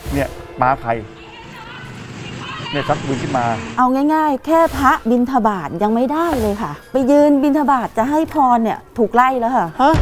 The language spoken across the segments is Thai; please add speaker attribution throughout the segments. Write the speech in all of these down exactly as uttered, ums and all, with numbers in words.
Speaker 1: เนี่ยมาใครเนี่ยชักปืนขึ้นมา
Speaker 2: เอาง่ายๆแค่พระบิณฑบาตยังไม่ได้เลยค่ะไปยืนบิณฑบาตจะให้พรเนี่ยถูกไล่แล้วค่ะ
Speaker 1: ฮะ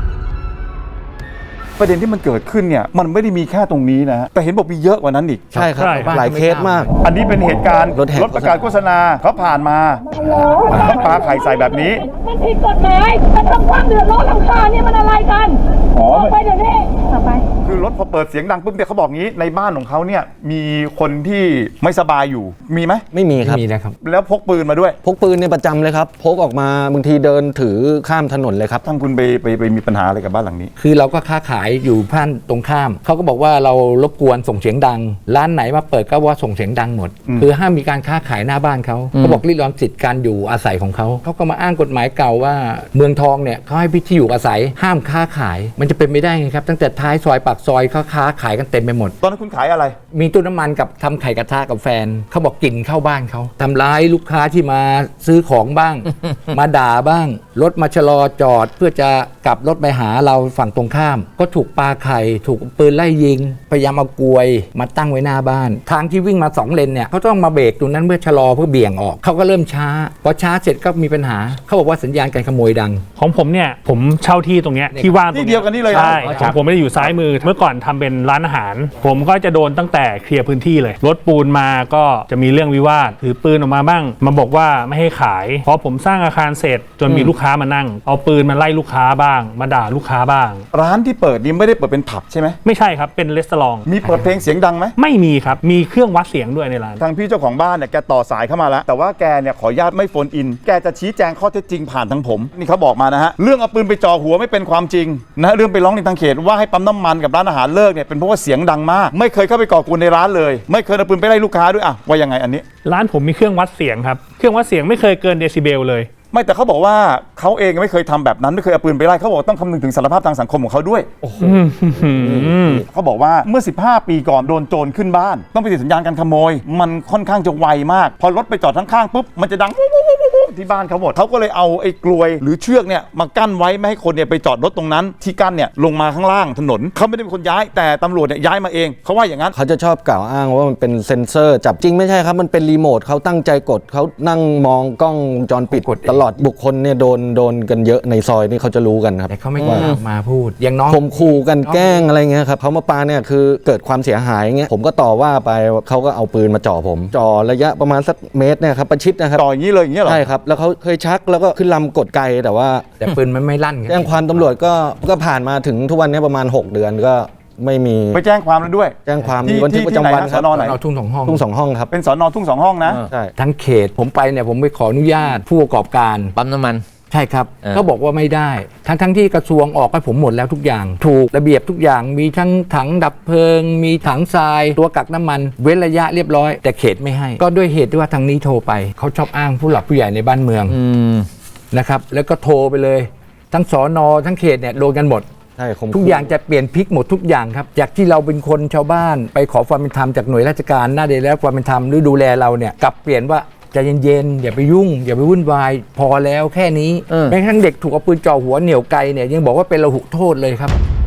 Speaker 1: ประเด็นที่มันเกิดขึ้นเนี่ยมันไม่ได้มีแค่ตรงนี้นะแต่เห็นบอกมีเยอะกว่านั้นอีก
Speaker 3: ใช่ครับหลายเคสมาก
Speaker 1: อันนี้เป็นเหตุการณ์รถประกาศโฆษณาเขาผ่านมาเขาปาไข่ใส่แบบนี้
Speaker 4: มันผิดกฎหมายมันทำความเดือดร้อนรำคาญนี่มันอะไรกันอ๋อไปเดี๋ยวนี้ต่อไป
Speaker 1: คือรถพอเปิดเสียงดังปุ๊บเนี่ยเขาบอกงี้ในบ้านของเขาเนี่ยมีคนที่ไม่สบายอยู่มีไหม
Speaker 3: ไม่มีครับ
Speaker 5: ไม่มีนะครับ
Speaker 1: แล้วพกปืนมาด้วย
Speaker 3: พกปืนเนี่ยประจำเลยครับพกออกมาบางทีเดินถือข้ามถนนเลยครับ
Speaker 1: ทางคุณไปไปไปมีปัญหาอะไรกับบ้านหลังนี้
Speaker 5: คือเราก็ค้าขายอยู่บ้านตรงข้ามเขาก็บอกว่าเรารบกวนส่งเสียงดังร้านไหนมาเปิดก็ว่าส่งเสียงดังหมดคือห้ามมีการค้าขายหน้าบ้านเขาเขาบอกริดรอนสิทธิ์การอยู่อาศัยของเขาเขาก็มาอ้างกฎหมายเก่าว่าเมืองทองเนี่ยเขาให้พิธีอยู่อาศัยห้ามค้าขายมันจะเป็นไม่ได้ไงครับตั้งแต่ท้ายซอยปากซอยเขาค้าขายกันเต็มไปหมด
Speaker 1: ตอนนั้นคุณขายอะไร
Speaker 5: มีตู้น้ำมันกับทำไข่กระทะกับแฟนเขาบอกกลิ่นเข้าบ้านเขาทำร้ายลูกค้าที่มาซื้อของบ้าง มาด่าบ้างรถมาชะลอจอดเพื่อจะกลับรถไปหาเราฝั่งตรงข้ามก็ถูกปาไข่ถูกปืนไล่ยิงพยายามเอากลวยมาตั้งไว้หน้าบ้านทางที่วิ่งมาสองเลนเนี่ยเขาต้องมาเบรกตรงนั้นเพื่อชะลอเพื่อเบี่ยงออกเขาก็เริ่มช้าพอช้าเสร็จก็มีปัญหาเขาบอกว่าสัญญาณการขโมยดัง
Speaker 6: ของผมเนี่ยผมเช่าที่ตรงเนี้ยที่ว่าง
Speaker 1: ที่เดียวกันนี่เลย
Speaker 6: ใช่ของผมไม่ได้อยู่ซ้ายมือเมื่อก่อนทำเป็นร้านอาหารผมก็จะโดนตั้งแต่เคลียร์พื้นที่เลยรถปูนมาก็จะมีเรื่องวิวาทถือปืนออกมาบ้างมาบอกว่าไม่ให้ขายเพราะผมสร้างอาคารเสร็จจนมีลูกค้ามานั่งเอาปืนมาไล่ลูกค้าบ้างมาด่าลูกค้าบ้าง
Speaker 1: ร้านที่เปิดนี้ไม่ได้เปิดเป็นผับใช่ไหม
Speaker 6: ไม่ใช่ครับเป็นรีสอร์ท
Speaker 1: มีเปิดเพลงเสียงดังไหม
Speaker 6: ไม่มีครับมีเครื่องวัดเสียงด้วยในร้าน
Speaker 1: ทางพี่เจ้าของบ้านเนี่ยแกต่อสายเข้ามาแล้วแต่ว่าแกเนี่ยขออนุญาตไม่โฟนอินแกจะชี้แจงข้อเท็จจริงผ่านทางผมนี่เขาบอกมานะฮะเรื่องเอาปืนไปจ่อหัวไม่เป็นความจริงนะเรื่องไปร้องในทางเขตว่าให้ปั๊มน้ำมันกับร้านอาหารเลิกเนี่ยเป็นเพราะว่าเสียงดังมากไม่เคยเข้าไปก่อกวนในร้านเลยไม่เคยเอาปืนไปไล่ลูกค้าด้วยอ่ะว่ายังไงอันนี้
Speaker 6: ร้านผมมีเครื่องวัดเสียงครับเครื่องวัดเสียงไม่เคยเกินเดซิเบลเลย
Speaker 1: ไม่แต่เขาบอกว่าเขาเองไม่เคยทำแบบนั้นไม่เคยเอาปืนไปไล่เขาบอกต้องคำนึงถึงสารภาพทางสังคมของเขาด้วยเขาบอกว่าเมื่อสิบห้าปีก่อนโดนโจรขึ้นบ้านต้องไปติดสัญญาณการขโมยมันค่อนข้างจะไวมากพอรถไปจอดข้างๆปุ๊บมันจะดังที่บ้านเขาหมดเขาก็เลยเอาไอ้กลวยหรือเชือกเนี่ยมากั้นไว้ไม่ให้คนเนี่ยไปจอดรถตรงนั้นที่กั้นเนี่ยลงมาข้างล่างถนนเขาไม่ได้เป็นคนย้ายแต่ตำรวจเนี่ยย้ายมาเองเขาว่าอย่างนั้น
Speaker 3: เขาจะชอบกล่าวอ้างว่ามันเป็นเซ็นเซอร์จับจริงไม่ใช่ครับมันเป็นรีโมทเขาตั้งใจกดเขานั่งมองกล้องวงจรปิดตลอดบุคคลเนี่ยโดนโดนกันเยอะในซอยนี่เขาจะรู้กันครับ
Speaker 5: แต่เขาไม่กล้ามาพูดอย่างน้อง
Speaker 3: ข่มขู่กันแกล้งอะไรเงี้ยครับเขามาปาเนี่ยคือเกิดความเสียหายเงี้ยผมก็ต่อว่าไปเขาก็เอาปืนมาจ่อผมจ่อระยะประมาณสักเมตรเนี่ยครับประชิดนะครับ
Speaker 1: จ่ออย่างนี้เลยอย่างนี้เหรอ
Speaker 3: ใช่ครับแล้วเขาเคยชักแล้วก็ขึ้นลำกดไกแต่ว่า
Speaker 5: แต่ปืนมันไม่ลั่น
Speaker 3: แจ้งความตำรวจก็ก็ผ่านมาถึงทุกวันนี้ประมาณหกเดือนก็ไม่มี
Speaker 1: ไปแจ้งความแล้วด้วย
Speaker 3: แจ้งความมีบันทึกประจำวัน
Speaker 1: สอนอไหน
Speaker 5: ทุ่งสองห้อง
Speaker 3: ทุ่งสองห้องครับ
Speaker 1: เป็นสอนอทุ่งสองห้องนะ
Speaker 3: ใช่
Speaker 5: ทั้งเขตผมไปเนี่ยผมไปขออนุญาตผู้ประกอบการ
Speaker 7: ปั๊มน้ำมัน
Speaker 5: ใช่ครับเขาบอกว่าไม่ได้ทั้งทั้งที่กระทรวงออกให้ผมหมดแล้วทุกอย่างถูกระเบียบทุกอย่างมีทั้งถังดับเพลิงมีถังทรายตัวกักน้ำมันเว้นระยะเรียบร้อยแต่เขตไม่ให้ก็ด้วยเหตุที่ว่าทางนี้โทรไปเขาชอบอ้างผู้หลักผู้ใหญ่ในบ้านเมืองนะครับแล้วก็โทรไปเลยทั้งสนทั้งเขตเนี่ยโดนกันหมดทุกอย่างจะเปลี่ยนพลิกหมดทุกอย่างครับจากที่เราเป็นคนชาวบ้านไปขอความเป็นธรรมจากหน่วยราชการหน้าเดแล้วความเป็นธรรมหรือดูแลเราเนี่ยกลับเปลี่ยนว่าใจเย็นๆอย่าไปยุ่งอย่าไปวุ่นวายพอแล้วแค่นี้แม้กระทั่งเด็กถูกเอาปืนจ่อหัวเหนี่ยวไกเนี่ยยังบอกว่าเป็นระหุโทษเลยครับ